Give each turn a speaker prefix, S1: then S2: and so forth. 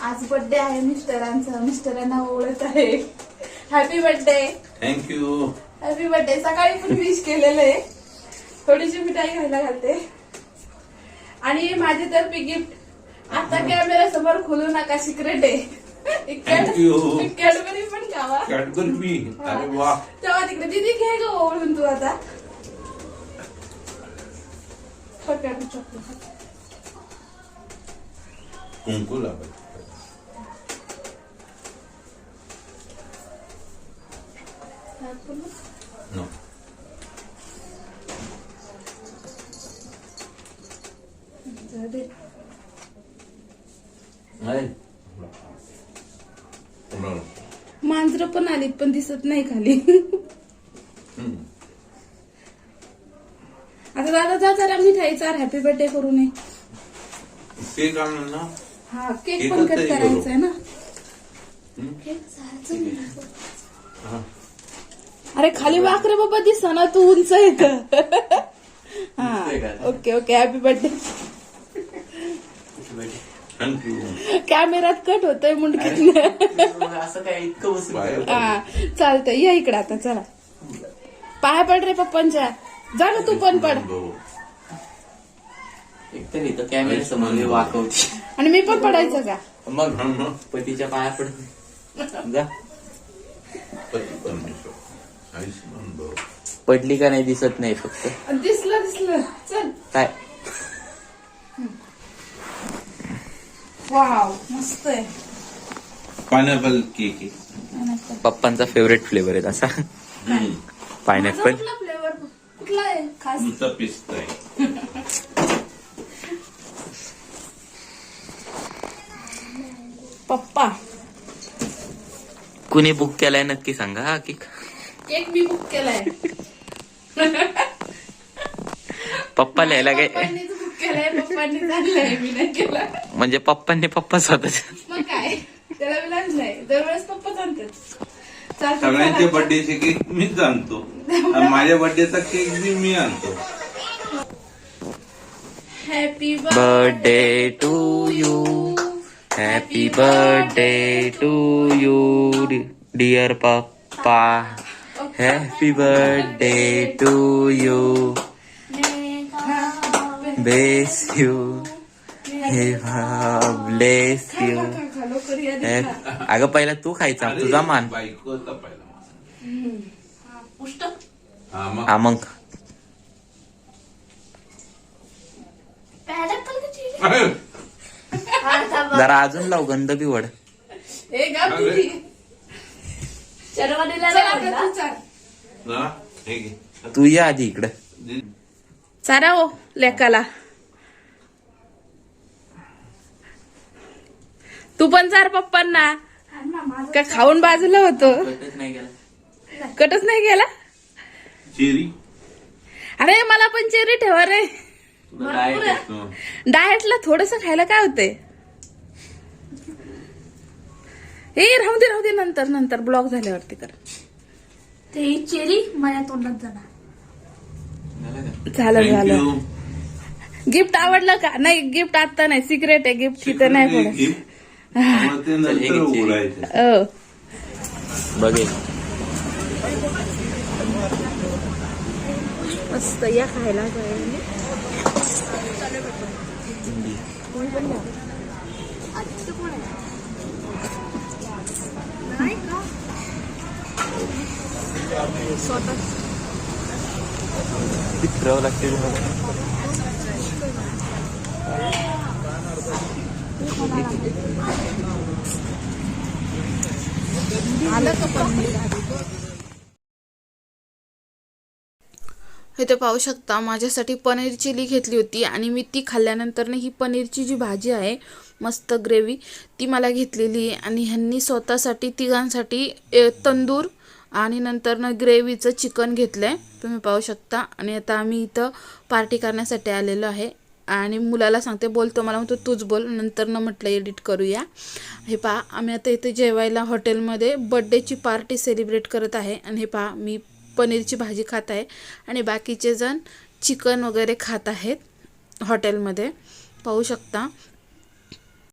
S1: आज बर्थडे आहे मिस्टरांचा, मिस्टरांना ओळख आहे. Happy birthday.
S2: Thank you.
S1: Happy birthday. सकाळी पण विश केलेलं आहे. थोडीशी मिठाई खायला घालते. आणि माझ्यातर्फे गिफ्ट आता कॅमेरा समोर खोलू नका, सिक्रेट आहे. कॅडबरी पण खावा.
S2: कॅडबरी. अरे वा.
S1: तेव्हा तिकडे दीदी घे ग ओळून तू आता.
S2: कुंकू लावायचं. नो.
S1: मांजर पण आली पण दिसत नाही खाली. आता दादा जा जरा मिठाई चार, हॅपी बर्थडे करू नये.
S2: केक आणून ना.
S1: हा केक पण कट करायचा आहे ना. अरे खाली वाकरे बाबा दिसा ना, तू उंच येत. हा ओके ओके. Happy birthday. कॅमेरात कट होतोय मुंडकीत.
S3: असं काय इतकं
S1: हा चालतंय. या इकडे आता चला. पाया पड रे पप्पांच्या. जा ना तू पण पड.
S3: एकतर इथं कॅमेरा समोर वाकवते.
S1: आणि मी पण पडायचं का?
S3: मग पतीच्या पाया पड जा. पडली का नाही दिसत नाही फक्त.
S1: दिसलं दिसलं. चल
S3: काय
S1: वाव मस्त आहे.
S2: पायनॅपल केक आहे.
S3: पप्पांचा फेवरेट फ्लेवर आहे तसा पायनॅपल.
S1: फ्लेवर कुठला आहे खास?
S2: तुमचा पिस्ता आहे.
S1: पप्पा
S3: कुणी बुक केलाय नक्की सांगा हा केक.
S1: केक मी बुक केलाय.
S3: पप्पा लिहायला काय
S1: पप्पांनीच बुक केलाय. पप्पांनी आणलाय, मी नाही केला.
S3: म्हणजे पप्पांनी पप्पा स्वतःच.
S1: मग काय त्याला विलाज नाही. दरवेळेस पप्पाच आणतात.
S2: सगळ्यांच्या बर्थडेचे केक मीच आणतो आणि माझ्या बर्थडेचा केक बी मी आणतो.
S1: Happy
S3: birthday to you. Happy birthday to you dear papa. Happy birthday to you. Bless you. Bless you. अगं पहिला तू खायचा, तुझा मान.
S2: बायको होता पहिला.
S1: पुष्ट.
S3: हा मग जरा अजून लाव, गंध बी वड.
S1: हे गा तुझी. चल आता तू चाल.
S2: ना, हे घे.
S3: तू या आधी इकडं.
S1: चारा हो लेकाला. तू पण चार पप्पांना. का खाऊन बाजूला होतो. कटच नाही गेला.
S2: चेरी.
S1: अरे मला पण चेरी ठेवा रे. डाएटला थोडस खायला काय होतंय. हे राहू दे नंतर नंतर ब्लॉक झाल्यावरती कर.
S4: ते चेरी माझ्या तोंडात जाणार.
S1: झालं. गिफ्ट आवडलं का? नाही गिफ्ट आता नाही, सिक्रेट आहे गिफ्ट. तिथं नाही पडत.
S2: ते नंतर उघडायचं.
S3: बघे
S1: मस्त या खायला.
S3: फिरावं लागते.
S1: इथे पाहू शकता माझ्यासाठी पनीर चिली घेतली होती आणि मी ती खाल्ल्यानंतर ही पनीरची जी भाजी आहे मस्त ग्रेव्ही ती मला घेतलेली आहे. आणि ह्यांनी स्वतःसाठी तिघांसाठी तंदूर आणि नंतर ग्रेव्हीचं चिकन घेतलंय तुम्ही पाहू शकता. आणि आता आम्ही इथं पार्टी करण्यासाठी आलेलो आहे. आणि मुलाला सांगते बोलतो, मला म्हणतो तूच बोल. नंतर म्हटलं एडिट करूया. हे पहा आम्ही आता इथे जेवायला हॉटेलमध्ये बर्थडेची पार्टी सेलिब्रेट करत आहे. आणि हे पहा मी पनीरची भाजी खात आहे आणि बाकीचे जण चिकन वगैरे खात आहेत हॉटेलमध्ये पाहू शकता.